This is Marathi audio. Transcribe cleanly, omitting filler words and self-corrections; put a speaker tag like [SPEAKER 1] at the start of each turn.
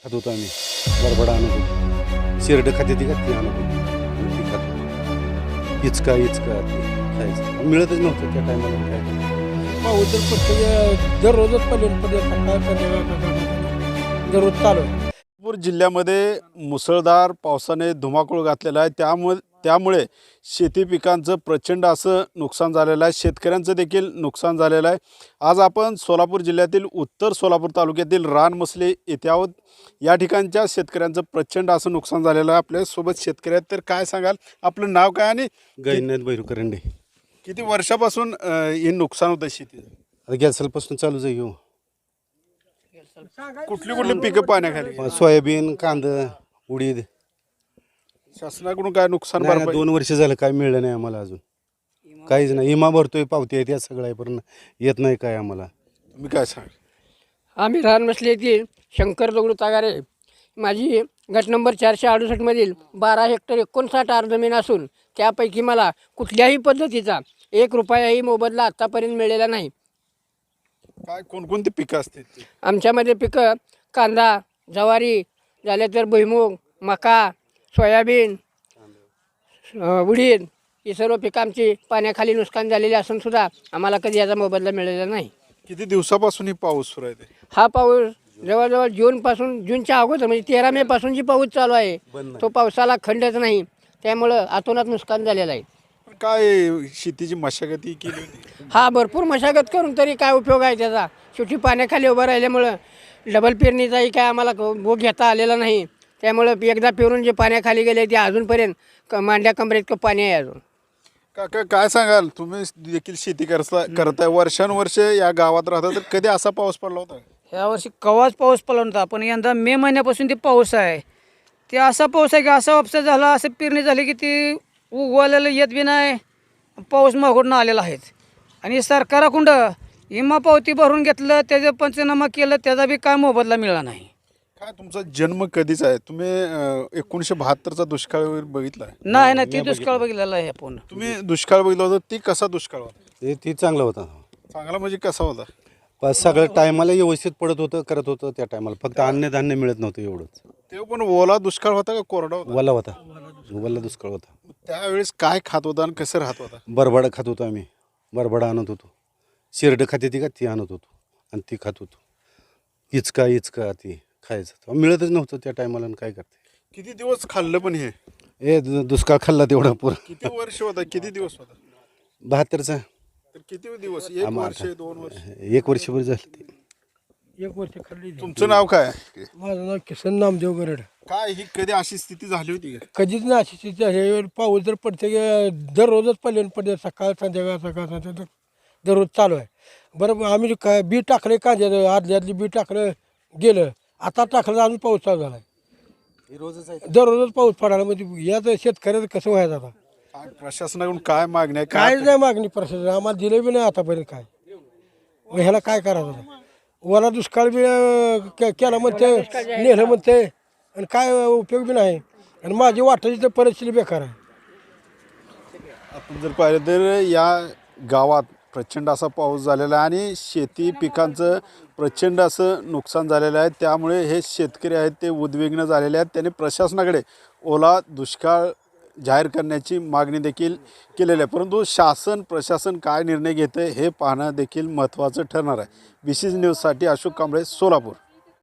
[SPEAKER 1] खात होतो आम्ही बरबडा आणत होतो शिरड खाते ती का ती आणत होतो आणि ती खात इचका ते खायचं मिळतच नव्हतं त्या टायमाला काय
[SPEAKER 2] पाऊस जर प्रत्येक दररोजच पडले सकाळ संध्याकाळ दररोज चालू आहे.
[SPEAKER 3] नागपूर जिल्ह्यामध्ये मुसळधार पावसाने धुमाकूळ घातलेला आहे. त्यामुळे शेती पिकांचं प्रचंड असं नुकसान झालेलं आहे. शेतकऱ्यांचं देखील नुकसान झालेलं आहे. आज आपण सोलापूर जिल्ह्यातील उत्तर सोलापूर तालुक्यातील रानमसले येथे आहोत. या ठिकाणच्या शेतकऱ्यांचं प्रचंड असं नुकसान झालेलं आहे. आपल्यासोबत शेतकरी आहेत, तर काय सांगाल? आपलं नाव काय आणि
[SPEAKER 1] गैरनाथ बैरुकरंडे.
[SPEAKER 3] किती वर्षापासून हे नुकसान होतं शेतीचं?
[SPEAKER 1] आता गॅसलपासून चालूच आहे घेऊ.
[SPEAKER 3] कुठली कुठली पिकं पाण्याखाली?
[SPEAKER 1] सोयाबीन कांदा उडीद.
[SPEAKER 3] शासनाकडून काय नुकसान
[SPEAKER 1] नाही,
[SPEAKER 3] भरपाई?
[SPEAKER 1] 2 वर्ष झालं काय मिळलं नाही आम्हाला अजून. काहीच नाही. इमा भरतोय पावती आहे त्या सगळं आहे पण येत नाही काय आम्हाला.
[SPEAKER 3] तुम्ही काय सांगाल?
[SPEAKER 2] आम्ही रानमसले येथील शंकर दगडू तागारे. माझी गट नंबर 468 मधील 12 हेक्टर 59 आर जमीन असून त्यापैकी मला कुठल्याही पद्धतीचा 1 रुपयाही मोबदला आत्तापर्यंत मिळालेला नाही.
[SPEAKER 3] काय कोणकोणती पिकं असतील ती?
[SPEAKER 2] आमच्यामध्ये पिकं कांदा, ज्वारी, झाले तर भुईमूग, मका, सोयाबीन, उडीद ही सर्व पिकं आमची पाण्याखाली नुकसान झालेली असून सुद्धा आम्हाला कधी याचा मोबदला मिळालेला नाही.
[SPEAKER 3] किती दिवसापासून ही पाऊस सुरू आहे ते?
[SPEAKER 2] हा पाऊस जवळजवळ जूनच्या अगोदर म्हणजे 13 मे पासून जी पाऊस चालू आहे तो पावसाला खंडच नाही. त्यामुळं अतोनात नुकसान झालेलं आहे.
[SPEAKER 3] पण काय शेतीची मशागती केली होती?
[SPEAKER 2] हा भरपूर मशागत करून तरी काय उपयोग आहे त्याचा? शेवटी पाण्याखाली उभं राहिल्यामुळं डबल पेरणीचाही काय आम्हाला भोग घेता आलेला नाही. त्यामुळं एकदा पेरून जे पाण्याखाली गेले ते अजूनपर्यंत मांड्या कमरेत पाणी आहे अजून.
[SPEAKER 3] काका काय सांगाल? तुम्ही देखील शेती करताय वर्षानुवर्ष या गावात राहता, तर कधी असा पाऊस पडला होता?
[SPEAKER 4] यावर्षी कवाच पाऊस पडला नव्हता, पण यंदा मे महिन्यापासून ते पाऊस आहे. ते असा पाऊस आहे की असा उपसा झाला, असं पेरणी झाली की ती उगवायला येत बी नाही, पाऊस मागून आलेला आहे. आणि सरकाराकडं विमा पावती भरून घेतलं, त्याचं पंचनामा केलं, त्याचा बी काय मोबदला मिळाला नाही.
[SPEAKER 3] काय तुमचा जन्म कधीचा आहे? तुम्ही 1972चा दुष्काळ वगैरे बघितला आहे?
[SPEAKER 4] नाही नाही, ती दुष्काळ बघितलेला आहे आपण.
[SPEAKER 3] तुम्ही दुष्काळ बघितला होता, ती कसा दुष्काळ होता?
[SPEAKER 1] ती चांगलं होतं.
[SPEAKER 3] चांगला म्हणजे कसा होता?
[SPEAKER 1] पण सगळं टायमाला व्यवस्थित पडत होतं करत होतं त्या टायमाला. फक्त अन्नधान्य मिळत नव्हतं एवढंच.
[SPEAKER 3] तेव्हा पण ओला दुष्काळ होता का कोरडा होता?
[SPEAKER 1] वल्ला होता. वल्ला दुष्काळ होता.
[SPEAKER 3] त्यावेळेस काय खात होता आणि कसं राहत होता?
[SPEAKER 1] बरबडा खात होतो आम्ही. बरबडा आणत होतो. शिरड खाते ती का ती आणत होतो आणि ती खात होतो. इचका ती खायचं मिळतच नव्हतं त्या टायमाला. काय करते?
[SPEAKER 3] किती दिवस खाल्लं पण हे?
[SPEAKER 1] दुष्काळ खाल्ला तेवढा पुरा.
[SPEAKER 3] किती वर्ष होता? किती दिवस होता?
[SPEAKER 1] 72चा.
[SPEAKER 3] तर किती दिवस? 1 वर्ष 2 वर्ष?
[SPEAKER 1] 1 वर्षभर झालं ते.
[SPEAKER 2] 1 वर्ष खाल्ली.
[SPEAKER 3] तुमचं नाव काय?
[SPEAKER 2] माझं नाव किसन नामदेव गरड.
[SPEAKER 3] काय ही कधी अशी स्थिती झाली होती का?
[SPEAKER 2] कधीच ना अशी स्थिती आहे. पाऊस जर पडते दररोजच पडते सकाळ संध्याकाळ दररोज चालू आहे. बरं आम्ही काय बी टाकले कांद्याचं, आदली बी टाकलं गेलं, आता टाकलं अजून पाऊस चालू झाला आहे. दररोजच पाऊस पडायला म्हणजे याच शेतकऱ्याचं कसं व्हायचं आता?
[SPEAKER 3] काय प्रशासनाकडून काय मागणी आहे?
[SPEAKER 2] काहीच नाही मागणी प्रशासन आम्हाला दिलं बी नाही आतापर्यंत काय. मग ह्याला काय करायचं? वला दुष्काळ बी केला म्हणते, नेलं म्हणते आणि काय उपयोग बी नाही. आणि माझी वाटायची तर परिस्थिती बेकार आहे.
[SPEAKER 3] आपण जर पाहिलं तर या गावात प्रचंड असा पाऊस झालेला आहे आणि शेती पिकांचं प्रचंड असं नुकसान झालेलं आहे. त्यामुळे हे शेतकरी आहेत ते उद्विग्न झालेले आहेत. त्यांनी प्रशासनाकडे ओला दुष्काळ जाहीर करण्याची मागणी देखील केलेली आहे. परंतु प्रशासन काय निर्णय घेते हे पाहणं देखील महत्त्वाचं ठरणार आहे. BCG न्यूजसाठी अशोक कांबळे, सोलापूर.